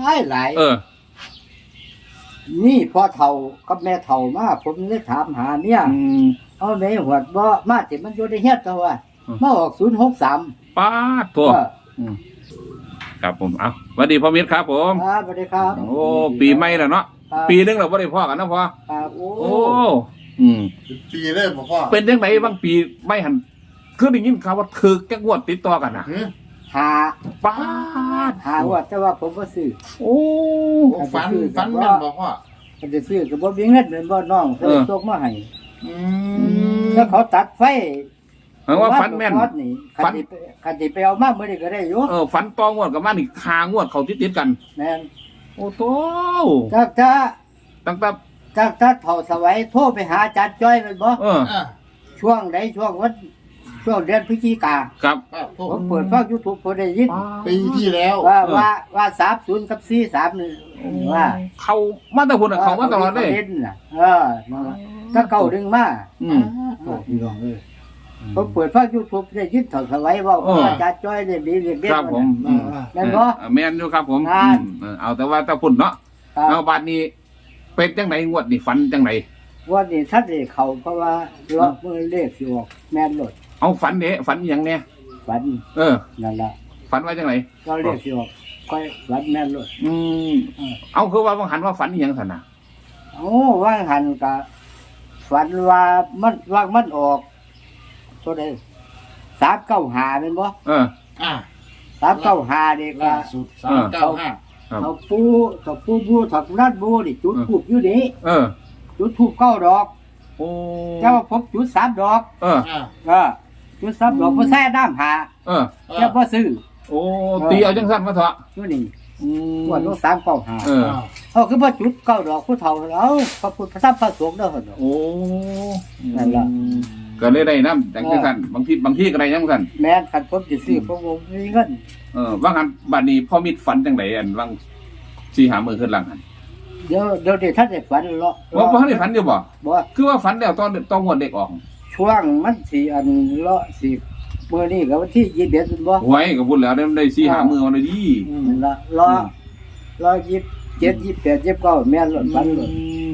หลายนี่พ่อเฒ่ากับแม่เฒ่ามาผมเลยถามหาเนี่ยเอาไหนหวดบ่มาสิมันอยู่ในเฮ็ดตัวว่ามาออก063 ป้าดตัวครับผมเอาสวัสดีพ่อมิตรครับผมครับสวัสดีครับโอ้ปีใหม่แล้วเนาะปีนึงเราบ่ได้พ่อกันนะพ่อโอ้ปีเลยพ่อเป็นจังไดบางปีไม่หันคือได้ยินข่าวว่าถือแก้งวดติดต่อกันน่ะหาป้าดหาว่าแต่ว่าผมบ่ซื้อโอ้ฝันแม่นบ่พ่อมันจะซื้อก็บ่มีเงินเหมือนบ่น้องเพิ่นส่งมาให้แล้วเขาตัดไฟว่าฝันแม่นฝันคันสิไปเอามามื้อนี้ก็ได้อยู่ฝันตองวดกับมานี่คางวดเขาติดกันแม่นโอ้โตตั้งแต่เฒ่าสวัยโทรไปหาอาจารย์จ้อยแม่นบ่ช่วงใดช่วงวันช่วงเดือนพฤศจิกาครับผมเปิดฟัง YouTube ผมได้ยินปีที่แล้วว่า30กับ43นี่ว่าเขามาแต่พุ่นเขามาตลอดเลยถ้าเก่าดึงมาพี่น้องเอ้ยผมเปิดฟัง YouTube ได้ยินเฒ่าสวัยว่าอาจารย์จ้อยเรียกดีเรียกเด็ดครับผมแม่นบ่แม่นอยู่ครับผมเอาแต่ว่าถ้าพุ่นเนาะเอาบัดนี้เป็นจังไดงวดนี่ฝันจังไดวันนี้ทัดได้เข้าเพราะว่าล็อกมือเลขสิออกแม่นรถเอาฝันเด้ฝันอย่างเนี้ยฝันนั่นละฝันว่าจังไรก็เรียกสิออกก็ฝันแม่นเลยเอาคือว่าบางหันว่าฝันอย่างสันนะโอ้ว่างหันกับฝันว่ามันออกตัวใด395เป็นบ่395เด็กว่าสุด395 เขาปูถักนัดบูนี่จุดทูบอยู่นี่จุดทูบ9 ดอกเจ้าพบจุด3 ดอกจุด3 ดอกบ่ใส่น้ำหาเจ้าบ่ซื้อโอ้ตีเอาจังซั่นมาเถอะอยู่นี่ว่าลง395เขาคือบ่จุด9 ดอกผู้เฒ่าเอาพระพุทธพระธรรมพระสงฆ์เด้อหั่นโอ้นั่นล่ะก็เลยได้นำจังซั่นบางทีก็ได้จังซั่นแม่นคันผมสิซื้อผมบ่มีเงินว่างั้นบัดนี้พ่อมิตรฝันจังไดอันวัง4-5 มื้อขึ้นหลังหั่นเดี๋ยวท่านได้ฝันเลาะบ่ทันได้ฝันอยู่บ่คือว่าฝันแล้วตอนงวดเด็กออกช่วงมันสิอันเลาะสิมื้อนี้ก็วันที่21เป็นบ่หวยก็พุ่นแล้วได้4-5 มื้อวันดีนั่นล่ะรอ27 28 29แม่นรถฝันรถ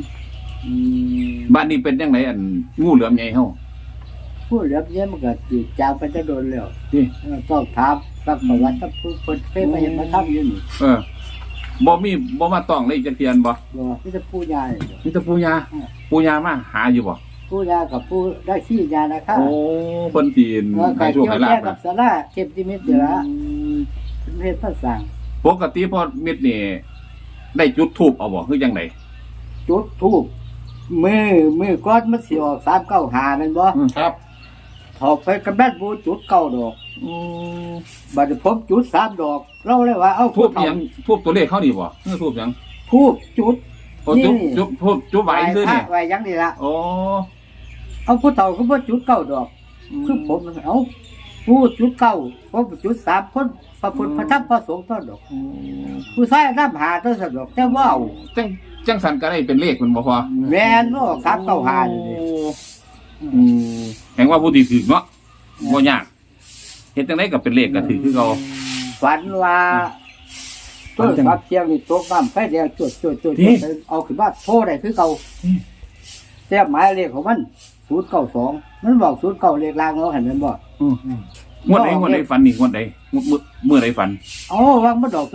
บ้านนี้เป็นจังไดอันงูเหลือมใหญ่เฮาผู้เหลือมใหญ่มันก็สิจางไปจะโดนแล้วต้องถามสักประวัติถ้าผู้เพิ่นเคยมาเห็นมาทำอยู่นี่บ่มาต้องเลยจักเทียนบ่มีแต่ปู่ย่ามีแต่ปู่ย่ามาหาอยู่บ่ปู่ย่ากับปู่ได้ขี้ยานะครับโอ้เพิ่นสิให้โชคให้ลาภกับศาลาเทพนิมิตนี่ล่ะเป็นเพศภาษาปกติพ่อมิตรนี่ได้จุดธูปเอาบ่คือจังไดจุดธูปมือก้อนมันสิออก395แม่นบ่ครับถอกไปกับแม่นบูจุด9 ดอกบัดนี้ผมจุด3 ดอกเราเลยว่าเอาทูบหยังทูบตัวเลขเขานี่บ่คือทูบหยังทูบจุดจุดไหวคือนี่ไหวยังนี่ล่ะโอ้เอาผู้เฒ่าก็บ่จุด9 ดอกคือผมเอาผู้จุด9ผมจุด3คนพระพุทธพระธรรมพระสงฆ์ต้นดอกผู้ชายนำหาต้นดอกแต่ว่าเอาจังสันก็ได้เป็นเลขมันบ่พอแม่นบ่395นี่แห่งว่าผู้ที่ถือเนาะบ่ยากเฮ็ดจังได๋ก็เป็นเลขก็ถือคือเก่าฝันว่าต้นสับเชียงนี่ตกน้ำไฟแดงจุดเอาขึ้นมาโทรได้คือเก่าแต่หมายเลขของมัน092มันบอก09เลขล่างเนาะเห็นมันบ่งวดใดฝันนี่งวดใดมื้อใดฝันว่ามันดอก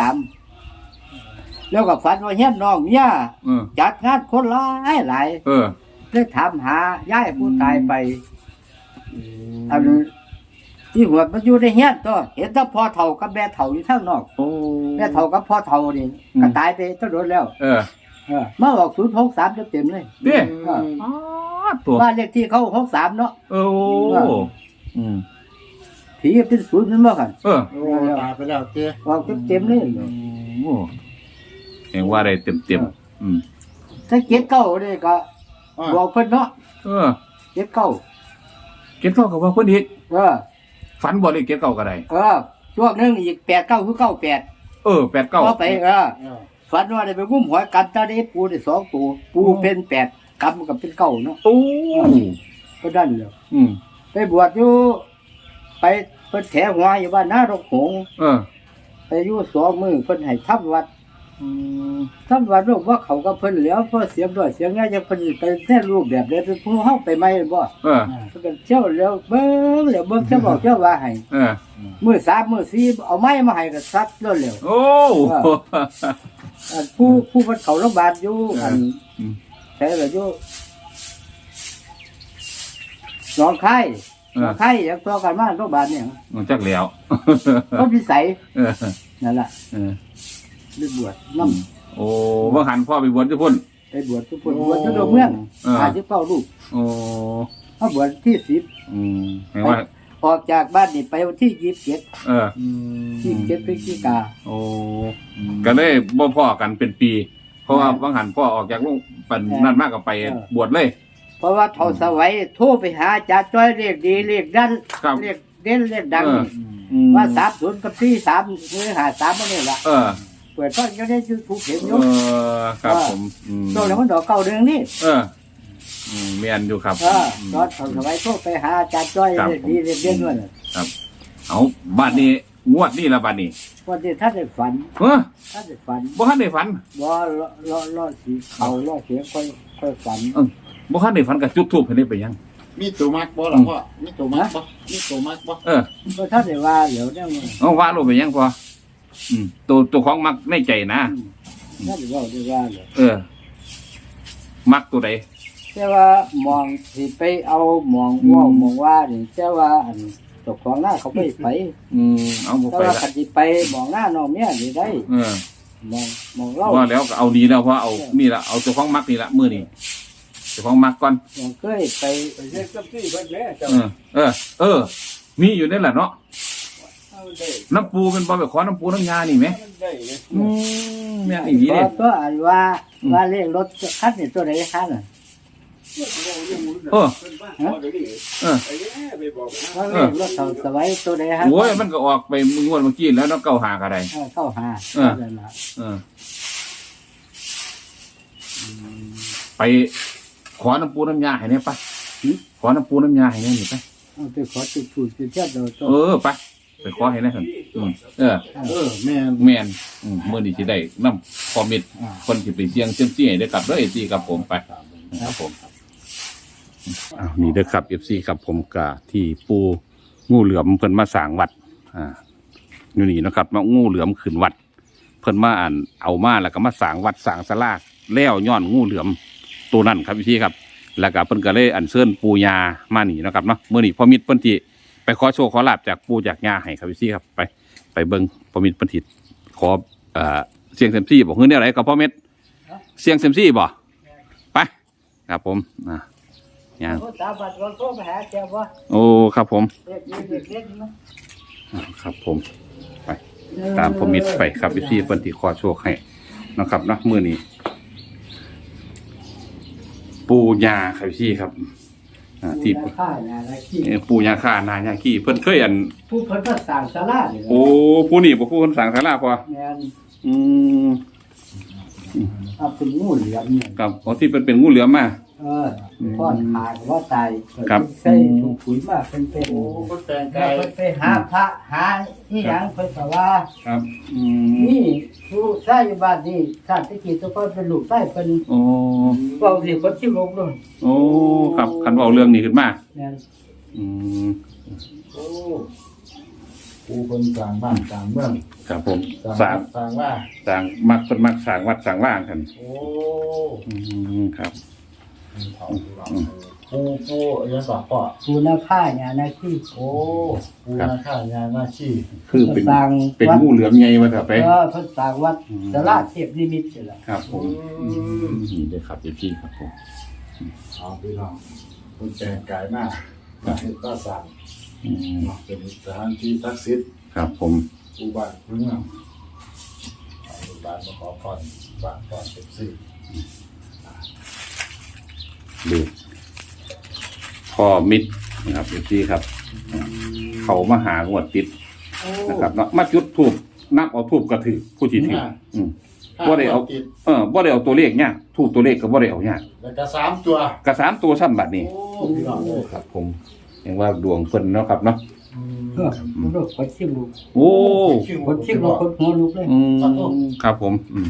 063แล้วก็ฝันว่าเฮียนน้องเมียจัดงานคนหลายเลยถามหาย้ายผู้ตายไปอันที่หัวมันอยู่ในเฮียนตัวเห็นแต่พ่อเฒ่ากับแม่เฒ่าอยู่ข้างนอกแม่เฒ่ากับพ่อเฒ่านี่ก็ตายไปตั้งโดนแล้วมาออก063เต็มเลยเด้บ้านเลขที่เขา63เนาะผีเป็น0นั่นบ่คั่นตายไปแล้วเจ้ออกเต็มเลยเห็นว่าได้เต็มถ้า79นี่ก็บอกเพิ่นเนาะ79 ก็ว่าเพิ่นอีกฝันบ่เลย79ก็ได้ช่วงนึงอีก89คือ98 89 พอไปฝันว่าได้ไปงุ้มหอยกันตาได้ปูได้2ตัวปูเป็น8กำกับเป็น9เนาะโอ้ก็ดันแล้วไปบวชอยู่ไปเพิ่นแถหัวอยู่บ้านนารกหงไปอยู่2 มื้อเพิ่นให้ทำวัดสำหรับลูกว่าเขาก็เพิ่นแล้วเพราะเสียงด้วยเสียงง่ายจะเพิ่นไปแน่รูปแบบใดเป็นผู้เฮาไปใหม่บ่เออเพิ่นก็เที่ยวแล้วเบิ่งแล้วเบิ่งเจ้าบอกเจ้าว่าให้เออมื้อ3มื้อ4เอาไม้มาให้ก็ซัดแล้วแล้วโอ้อันผู้เพิ่นเข้าโรงพยาบาลอยู่อันใช่ล่ะอยู่หนองคายหนองคายอย่างตัวกันมาโรงพยาบาลเนี่ยมันจักแล้วก็วิสัยเออนั่นล่ะเออไปบวชนำโอ้บ่หันพ่อไปบวชทุกคนไปบวชทุกคนบวชอยู่เมือง59ลูกโอ้เฮาบวชที่10 เห็นว่าออกจากบ้านนี่ไปวันที่27 เออ 27พฤศจิกาโอ้ก็เลยบ่พ่อกันเป็นปี เพราะว่าบางหันพ่อออกจากโรงปันนั่นมากก็ไปบวชเลยเพราะว่าเฒ่าสวัยโทรไปหาอาจารย์จ้อยเลขดีเลขดันครับเลขเด่นเลขดังนี่ว่าว่า30กับ43หรือ53บ่นี่ล่ะเออเปิดฟังอยู่ใน YouTube เห็นอยู่ครับผมช่วงนั้นมันดอกเก่าเดือนนี้เออเมียนอยู่ครับตอนเฒ่าสวัยโทรไปหาอาจารย์จ้อยเลขดีเลขเด่นด้วยน่ะครับเอาบ้านนี้งวดนี้ละบ้านนี้วันที่ท่านได้ฝันเออท่านได้ฝันบ่ทันได้ฝันบ่รอสิเขารอเสียงค่อยฝันบ่ทันได้ฝันกับจุดทูบให้ได้ไปยังมีตัวมักบ่ล่ะพ่อมีตัวมักบ่มีตัวมักบ่เออบ่ท่านได้ว่าเดี๋ยวเนี่ยมันเอาว่าลงไปยังพอตัวของมักในใจนะท่านได้ว่าได้ว่าเลยเออ มักตัวใดแต่ว่ามองสิไปเอามองว่ามองว่านี่แต่ว่าอันเจ้าของหน้าเขาไปไปเอาบ่แต่ไปว่าละคันสิไปมองหน้าน้องเมียนี่ได้เออมองเล่าว่าแล้วก็เอานี้แล้วเพราะเอานี่ละเอาตัวของมักนี่ละมื้อนี้ตัวของมักก่อนอย่างเคยไปเฮ็ดกับที่เพิ่นแม่เจ้าเออ มีอยู่นั่นแหละเนาะน้ำปูเป็นบ่ไปขอน้ำปูน้ำยานี่ไหมแม่นอีหลีก็เด้ก็อ่านว่าเลขรถคันนี่ตัวไหนคันน่ะเออว่าเลขรถเฒ่าสวัยตัวไหนฮะโอ้ยมันก็ออกไปงวดเมื่อกี้แล้วเนาะเก้าหาก็ได้เข้าหา นั่นล่ะไปขอน้ำปูน้ำยาให้เนี่ยไปขอน้ำปูน้ำยาให้เนี่ยนี่ไปเอาไปขอจุดถูกจุดเทียบเราไปขอให้แน่ครับแม่นแม่นมื้อนี้สิได้นำคอมเมนต์คนที่ไปเสี่ยงเซียมซี่ให้ได้กลับเด้อ FC ครับผมไปครับผมนี่เด้อครับ FC ครับผมกะที่ปูงูเหลือมเพิ่นมาสร้างวัดอยู่นี่นะครับมางูเหลือมขึ้นวัด เพิ่นมาเอามาแล้วก็มาสร้างวัดสร้างศาลาแล้วย้อนงูเหลือมตัวนั้นครับพี่ครับแล้วก็เพิ่นก็เลยอัญเชิญปู่ย่ามานี่นะครับเนาะมื้อนี้พ่อมิตรเพิ่นที่ไปขอโชคขอลาภจากปู่จากย่าให้ครับพี่ครับไปเบิ่งพ่อมิตรเพิ่นที่ขอเสียงเซยมซี่บ่ฮือแนวไหนก็พ่อมิตรเสียงเซยมซี่บ่ไปครับผมย่างสาบัดเราโทรไปหาแกว่าโอ้ครับผมเล็กครับผมไปตามพ่อมิตรไปครับพี่เพิ่นที่ขอโชคให้นะครับเนาะมื้อนี้ปู่ย่าครับพี่ครับที่ปู่ย่าข้านายาขี้เพิ่นเคยผู้เพิ่นก็สั่งศาลานี่โอ้ผู้นี่บ่ผู้คนสั่งศาลาพอแม่นเอาเป็นงูเหลือมเนี่ยครับที่เป็นงูเหลือมมาพ่อนขาดว่าตายใส่ถุงปุ๋ยมาเป็นโอ้เพิ่นแต่งกายไปหาพระหาที่หยังเพิ่นก็ว่าครับนี่ผู้ชายอยู่บ้านนี่ชาติที่ตัวเพิ่นเป็นลูกชายเพิ่นโอ้เว้าสิเพิ่นสิลงเลยโอ้ครับคันเว้าเรื่องนี้ขึ้นมาแม่นโอ้ผู้คนสร้างบ้านสร้างเมืองครับผมสร้างว่าสร้างมักเพิ่นมักสร้างวัดสร้างว่างกันโอ้ครับผู้ยังบอกพ่อผู้นาค่าเนี่ยนะที่โอ้ผู้นาค่างานหน้าที่คือเป็นงูเหลือมใหญ่มาเถอะไปเพิ่นสร้างวัดศาลาเทพนิมิตนี่แหละครับผมนี่เด้อครับพี่ครับผมเอาพี่น้องคนแต่งกายมากเป็นก็สั่งเป็นสถานที่ศักดิ์สิทธิ์ครับผมผู้บ้านผู้เมืองผู้บ้านมาขอพรบ้านก่อนเป็นสิ่งดูพ่อมิตรนะครับพี่ครับเขามาหางวดติดนะครับเนาะมาจุดทูบนับเอาทูบกระถือผู้ที่ถือบ่ได้เอาบ่ได้เอาตัวเลขเนี่ยทูบตัวเลขก็บ่ได้เอาเนี่ยแล้วก็3 ตัวกระ3 ตัวซ้ำบัดนี้โอ้พี่น้องเลยครับผมยังว่าดวงเพิ่นเนาะครับเนาะมันลูกคนชิมลูกโอ้คนชิมลูกคนหัวลูกเลยครับผม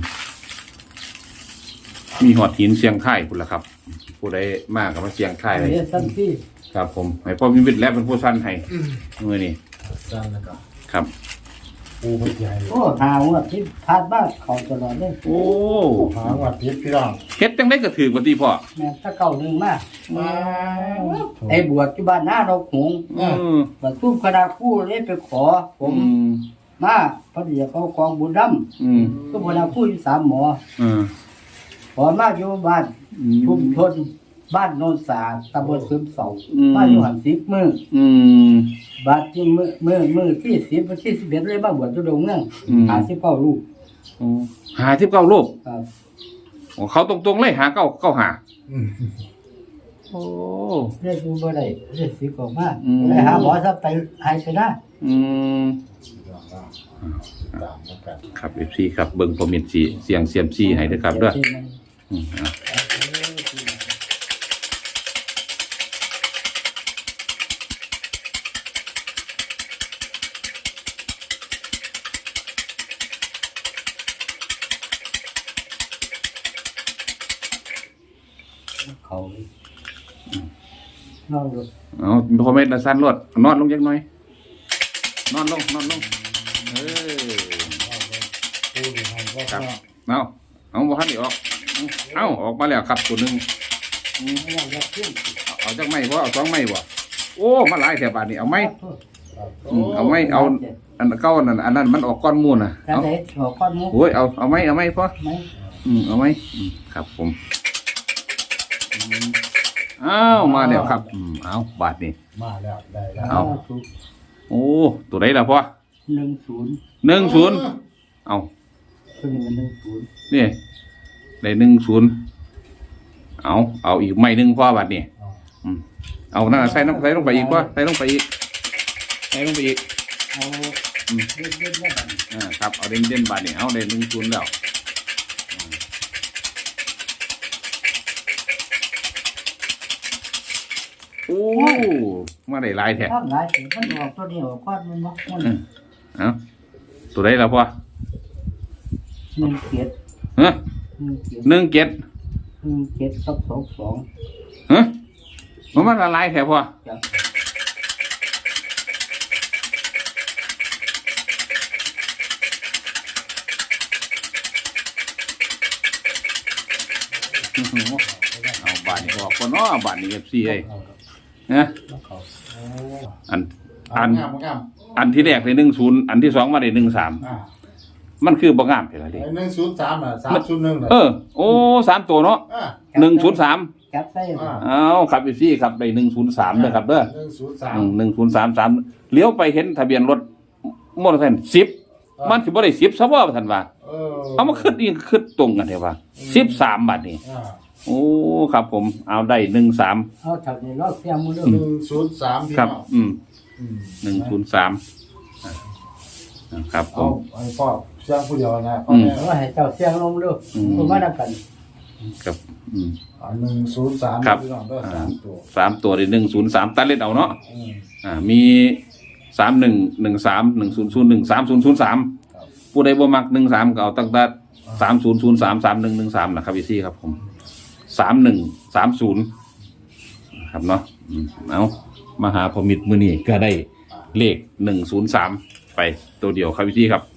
มีหอดหินเสียงค่ายคุณละครับผู้ใดมากกับมาเสียงค่ายเลยเรียนสั้นพี่ครับผมให้พ่อมีวิทย์และเป็นผู้สั้นให้เมื่อนี้สั้นนะครับครับปูพใหญ่โอ้หาว่าที่พาดบ้านเขาตลอดเลยโอ้หาวัดทิพย์พี่น้องเฮ็ดจังได้ก็ถือกว่าที่พ่อแม่ถ้าเก่าหนึ่งมากมาไอ้บวชที่บ้านหน้าเราหง บรรทุกคณะคู่เลยไปขอผมมาพอดีเขากองบุญดำก็บุญดำคู่อยู่3 หมอขอมาอยู่บ้านชุมชนบ้านโนนสาตำบลซึมเสามาอยู่หัน10 มื้อบาดที่มื้อที่10วันที่11เลยมาบวชอยู่ดงเมือง59 ลูกหา19รูปครับเขาตรงๆเลยหาเก้าหาโอ้เรียกอยู่บ่ได้เรียกสิกออกมาไปหาหมอซะไปหายไปได้ตามแล้วกันครับ FC ครับเบิ่งพอมินสีเสียงเซียมซีให้ด้วยครับเด้อเขานอนดูเอาพอเม็ดละสั้นรวดนอนลงจักหน่อยนอนลงเออปูอยู่ห้องก็ครับเอาบ่ทันได้ออกเอาออกมาแล้วครับตัวหนึงไม่อยากจะขึ้นเอาจักไม้บ่เอา2ไม้บ่โอ้มาหลายแถวบาดนี้เอาไม้เอาไม้เอาอันเก่านั่นอันนั้นมันออกก้อนมูลน่ะแล้วเอาไหนหัวก้อนมุกโอ้ยเอาไม้พอไหมเอาไม้ครับผมอ้าวมาแล้วครับเอาบาทนี่มาแล้วได้แล้วเอา โอ้ตัวไหนล่ะพ่อ 10 10เอาคือ10 นี่ได้10เอาอีกไม้หนึงพ่อบาทนี่เอานั่นใส่ลงไปอีกพ่อใส่ลงไปอีกเอาเล่นแล้วบัดครับเอาเด่นบาทนี่เอาได้10แล้วโอ้มาได้หลายแท้ถ้าหลายสิมันออกตัวเดียวก้อนมันบ่มันเอาตัวไหนล่ะพ่อ 1 เกียรติฮะ 1 เกียรติ 1 7 1 7กับ2 ฮะมันละลายแท้พ่อจ้ะเอาบาทนี่ออกก่อนเนาะบาทนี่ FC เอ้ยนะแล้วเขาโอ้อันงามงามอันที่แรกได้10อันที่2มาได้13มันคือบ่งามเท่าไหร่ดิไอ้103อ่ะ301 โอ้3ตัวเนาะ103 จับใส่เอาครับ FC ครับได้103เด้อครับเด้อ 103 1033เลี้ยวไปเห็นทะเบียนรถมอเตอร์ไซค์10มันสิบ่ได้10ซะบ่ท่านว่าเอามาขึ้นอีกขึ้นตรงกันเด้ว่า13บาทนี่ โอ้ครับผมเอาได้13 เอาเท่านี้รอบเสียงมือเด้อ 103พี่ครับน้อง 103ครับผเอามไอ้พ่อเสียงผู้เดียวนะพ่อแม่เอาให้เจ้าเสียงลงเด้อผมมานํกันครับ 103 ครับพี่น้องเด้อ3ตัว 3ตัวได้103ตัดเล่นเอาเนาะมี3113 1001 3003ผู้ใดบ่มัก13ก็เอาตั้งแต่3003 3113นะครับพี่ซี่ครับผม3130ครับเนาะเอามาหาพอมิตรมื้อนี้ก็ได้เลข103ไปตัวเดียวครับพี่ซี่ครับ